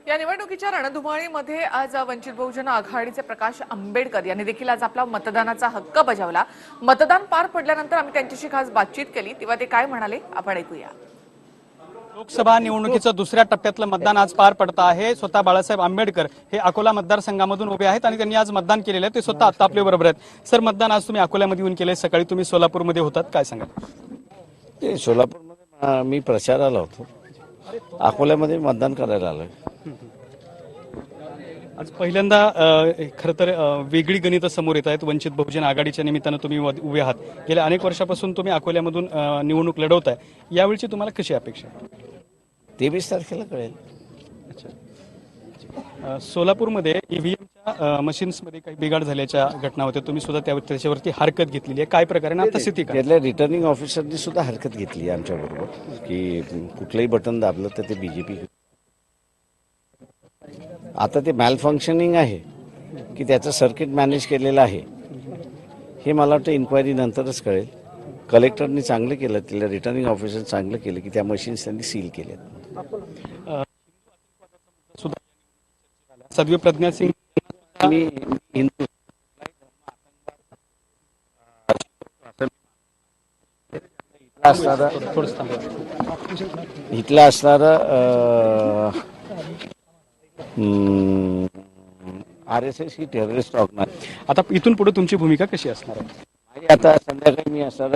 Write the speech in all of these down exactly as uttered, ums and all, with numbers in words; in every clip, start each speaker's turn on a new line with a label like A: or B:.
A: या निवडणुकीच्या रणधुमाळीमध्ये आज वंचित बहुजन आघाडीचे प्रकाश आंबेडकर यांनी देखील आज आपला मतदानाचा हक्क बजावला। मतदान पार पडल्यानंतर आम्ही त्यांच्याशी खास बातचीत केली तेव्हा ते काय म्हणाले आपण ऐकूया।
B: लोकसभा निवडणुकीचं दुसऱ्या टप्प्यातलं मतदान आज पार पडत आहे। स्वतः बाळासाहेब आंबेडकर हे अकोला मतदारसंघामधून उभे आहेत आणि त्यांनी आज मतदान केलेलं आहे। ते स्वतः आता आपल्या बरोबर आहेत। सर, मतदान आज तुम्ही अकोल्यामध्ये येऊन केले, सकाळी तुम्ही सोलापूरमध्ये होतात, काय सांगाल?
C: ते सोलापूरमध्ये मी प्रचाराला होतो, अकोल्यामध्ये मतदान करायला आलोय।
B: आज पहिल्यांदा खरं तर वेगळी गणित समोर येत आहेत। वंचित बहुजन आघाडीच्या निमित्तानं तुम्ही उभे आहात, गेल्या अनेक वर्षापासून तुम्ही अकोल्यामधून निवडणूक लढवताय, यावेळची तुम्हाला कशी अपेक्षा?
C: तेवीस तारखेला कळेल।
B: सोलापूरमध्ये ईव्हीएमच्या मशीन्समध्ये काही बिघाड झाल्याच्या घटना होत्या, तुम्ही सुद्धा त्याच्यावरती हरकत घेतलेली आहे, काय प्रकारे आता स्थिती काय?
C: त्यातल्या रिटर्निंग ऑफिसरनी सुद्धा हरकत घेतली आमच्या बरोबर की कुठलंही बटन दाबलं तर ते बीजेपी। आता ते मॅल फंक्शनिंग आहे की त्याचं सर्किट मॅनेज केलेलं आहे हे मला वाटतं इन्क्वायरी नंतरच कळेल। कलेक्टरनी चांगलं केलं, तिला रिटर्निंग ऑफिसर चांगलं केलं की त्या मशीन्स त्यांनी सील केल्या।
B: सदवी प्रज्ञा सिंग
C: मी हिंदू असणारा इथला असणारा आर एस एस ही टेररिस्ट ऑर्गनायझेशन।
B: आता इथून पुढे तुमची भूमिका कशी असणार आहे?
C: आता संध्याकाळी मी असणार।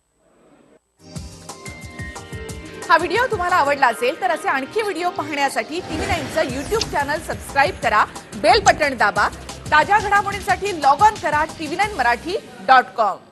A: हा व्हिडिओ तुम्हाला आवडला असेल तर असे आणखी व्हिडिओ पाहण्यासाठी टीव्ही नाईनचं यूट्यूब चॅनल सबस्क्राईब करा, बेल बटन दाबा। ताज्या घडामोडींसाठी लॉग ऑन करा TV nine Marathi dot com.